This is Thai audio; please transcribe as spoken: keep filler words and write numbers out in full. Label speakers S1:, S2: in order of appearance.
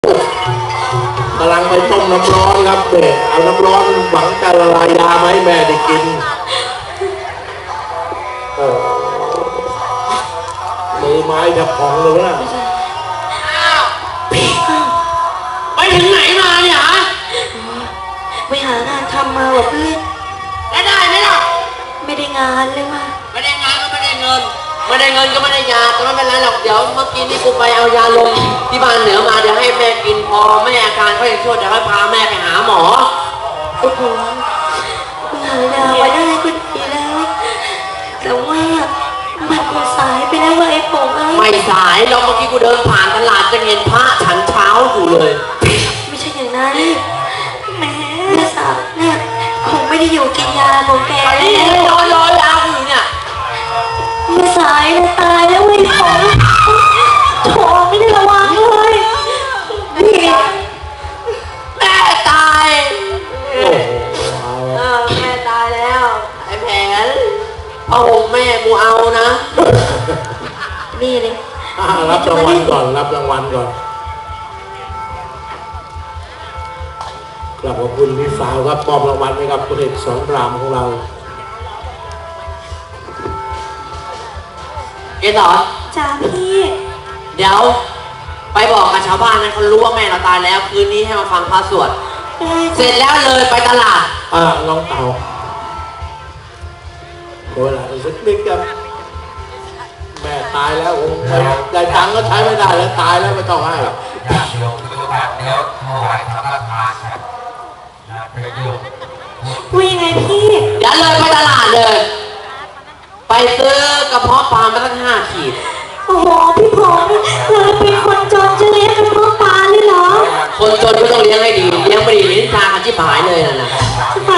S1: กำลังไปต้มน้ำร้อนครับเด็กเอาน้ำร้อนหวังจะละลายยามาให้แม่ได้กินโอ้มือไม้จะพองเลยนะ
S2: ไปถึงไหนมาเนี่ยฮะ
S3: ไปหางานทำมาว่ะเพื่อน
S2: แล้วได้ไหมล่ะ
S3: ไม่ได้งานเลยว่ะ
S2: ไม่ได้งานก็ไม่ได้เงินไม่ได้เงินก็ไม่ได้ยาก็ไม่เป็นไรหรอกเดี๋ยวเมื่อกี้นี่กูไปเอายาลมที่บ้านเหนือมาเดี๋ยวให้แม่กินพอแม่อาการเขาอย่างชั่วเดี๋ยวให้พาแม่ไปหาหมอ
S3: โอ้โหมึงหายามาได้ก็ดีแล้วแต่ว่ามันคงสายไปแล้วว่ะไอ้ป๋องไอ้
S2: ไม่สายเราเมื่อกี้กูเดินผ่านตลาดจะเห็นพระฉันเช้าอยู่เลย
S3: ไม่ใช่อย่างนั้นแหมแม่สาวเนี่ยคงไม่ได้อยู่กินยาของแก
S2: ไอ้นี่รอรอยาอยู่เนี่ย
S3: แม่สายนะตายแล้วไอ้ป๋องโถไม่ได้ระวังเลยนี่
S2: แม่ตายเออแม่ตายแล้วไอ้แผนเอาห่มแม่กูเอานะ
S3: นี่เลย
S1: รับรางวัลก่อนรับรางวัลก่อนกลับขอบคุณพี่สาวครับมอบรางวัลให้กับคุณเอกสอนรามของเรา
S2: เกสร
S3: จ้าพี่
S2: เดี๋ยวไปบอกกับชาวบ้านนะเขารู้ว่าแม่เราตายแล้วคืนนี้ให้มาฟังพระสวดเสร็จแล้วเลยไปตลาด
S1: อ่าน้องเต่าโอ้ยล่ะสักนิดครับแม่ตายแล้วผมได้ตังค์ก็ใช้ไม่ได้แล้วตายแล้วไม่ต้องให้หรอก
S4: ญาติโยมทุกท่านแล้วถวายสังฆทานครับประโยชน์
S3: ว่ายังไงพี่
S2: เดี๋ยวเลยไปตลาดเลยไปซื้อกระเพาะปลามาตั้งห้าขีด
S3: โอ้โหพี่พงษ์เราเป็นคนจนจะเลี้ยงกระเพาะปลาเลยเหรอ
S2: คนจนก็ต้องเลี้ยงให้ดีเลี้ยงไม่ดีลิ้นตาคันชิบหายเลยนะนะ
S3: จะไป